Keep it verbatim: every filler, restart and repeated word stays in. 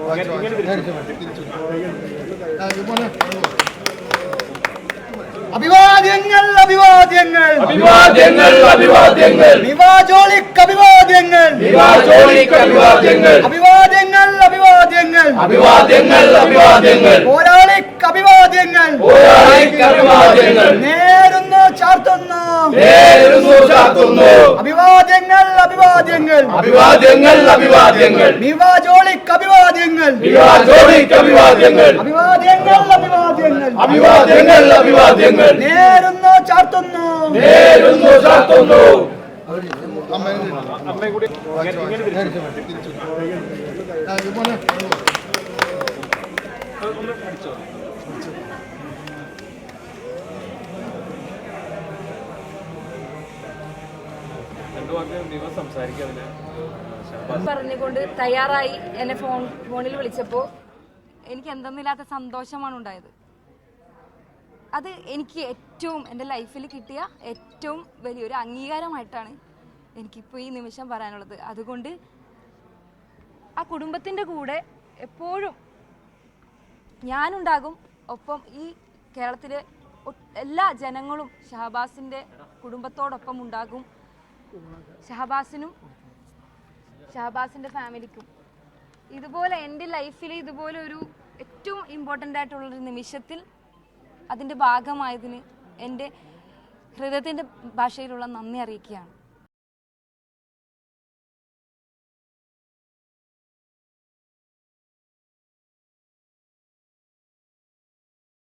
അഭിവാദ്യങ്ങൾ അഭിവാദ്യങ്ങൾ അഭിവാദ്യങ്ങൾ അഭിവാദ്യങ്ങൾ നിവാജോളിക്ക് അഭിവാദ്യങ്ങൾ നിവാജോളിക്ക് അഭിവാദ്യങ്ങൾ അഭിവാദ്യങ്ങൾ അഭിവാദ്യങ്ങൾ അഭിവാദ്യങ്ങൾ അഭിവാദ്യങ്ങൾ പോരാളിക്ക് അഭിവാദ്യങ്ങൾ പോരാളിക്ക് അഭിവാദ്യങ്ങൾ നേരുന്നു ചാർത്തുന്നു നേരുന്നു ചാർത്തുന്നു അഭിവാദ്യങ്ങൾ അഭിവാദ്യങ്ങൾ അഭിവാദ്യങ്ങൾ അഭിവാദ്യങ്ങൾ നിവാജോളിക്ക് അഭിവാദ്യങ്ങൾ നിവാജോളിക്ക് അഭിവാദ്യങ്ങൾ അഭിവാദ്യങ്ങൾ അഭിവാദ്യങ്ങൾ അഭിവാദ്യങ്ങൾ അഭിവാദ്യങ്ങൾ നേരുന്നു ചാർത്തുന്നു നേരുന്നു ചാർത്തുന്നു. പറഞ്ഞുകൊണ്ട് തയ്യാറായി എന്നെ ഫോൺ ഫോണിൽ വിളിച്ചപ്പോൾ എനിക്ക് എന്തെന്നില്ലാത്ത സന്തോഷമാണ് ഉണ്ടായത്. അത് എനിക്ക് ഏറ്റവും എൻ്റെ ലൈഫിൽ കിട്ടിയ ഏറ്റവും വലിയൊരു അംഗീകാരമായിട്ടാണ് എനിക്കിപ്പോൾ ഈ നിമിഷം പറയാനുള്ളത്. അതുകൊണ്ട് ആ കുടുംബത്തിൻ്റെ കൂടെ എപ്പോഴും ഞാനുണ്ടാകും. ഒപ്പം ഈ കേരളത്തിലെ എല്ലാ ജനങ്ങളും ഷഹബാസിൻ്റെ കുടുംബത്തോടൊപ്പം ഉണ്ടാകും. ഷഹബാസിനും ഷഹബാസിൻ്റെ ഫാമിലിക്കും ഇതുപോലെ എൻ്റെ ലൈഫിൽ ഇതുപോലെ ഒരു ഏറ്റവും ഇമ്പോർട്ടൻ്റ് ആയിട്ടുള്ളൊരു നിമിഷത്തിൽ അതിൻ്റെ ഭാഗമായതിന് എൻ്റെ ഹൃദയത്തിൻ്റെ ഭാഷയിലുള്ള നന്ദി അറിയിക്കുകയാണ്.